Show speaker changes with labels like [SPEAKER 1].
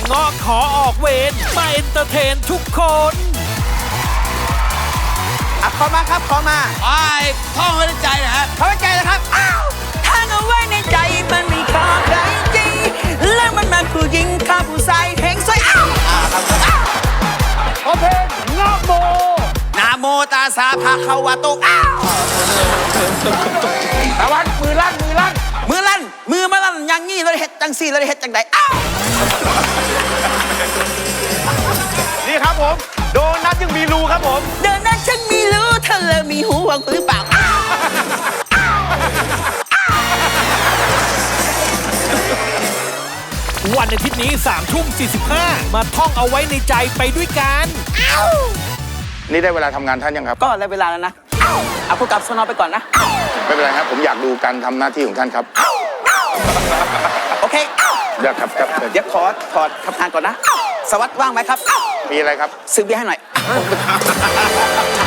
[SPEAKER 1] เงาะขอออกเวรมาเอนเตอร์เทนทุกคน
[SPEAKER 2] ขอมาครับขอมา
[SPEAKER 3] ท่องไว้ในใจนะฮะ
[SPEAKER 2] ท่องไว้ในใจนะครับ
[SPEAKER 4] ทางเอาไว้ในใจมันมีค่าใครจริงแล้วมันมาผู้หญิงข้าผู้ชายแห่งสวย
[SPEAKER 2] ขอเพลงนะโม
[SPEAKER 3] นะโมตัสสะภะคะวะโต
[SPEAKER 2] ตะวันมือลั่น
[SPEAKER 4] มือมาลั่นอย่างงี้เราได้เฮ็ดจังสี่เราได้เฮ็ดจังใด
[SPEAKER 2] นี่ครับผมโดนัทยังมีรูครับผม
[SPEAKER 4] เดินนั้นฉันมีรู้เธอเลยมีหูหวังหรือเปล่า
[SPEAKER 1] วันอาทิตย์นี้3:45มาท่องเอาไว้ในใจไปด้วยกัน
[SPEAKER 5] นี่ได้เวลาทำงานท่านยังครับ
[SPEAKER 4] ก็ได้เวลาแล้วนะเอาพวกกับสนอไปก่อนนะ
[SPEAKER 5] ไม่เป็นไรครับผมอยากดูการทำหน้าที่ของท่านครับ
[SPEAKER 4] โอเค
[SPEAKER 5] ได้ครับครับ
[SPEAKER 4] เดี๋ยวขอถอดทำงานก่อนนะสวัสดิ์ว่างไหมครับ
[SPEAKER 5] มีอะไรครับ
[SPEAKER 4] ซื้อเบียร์ให้หน่อย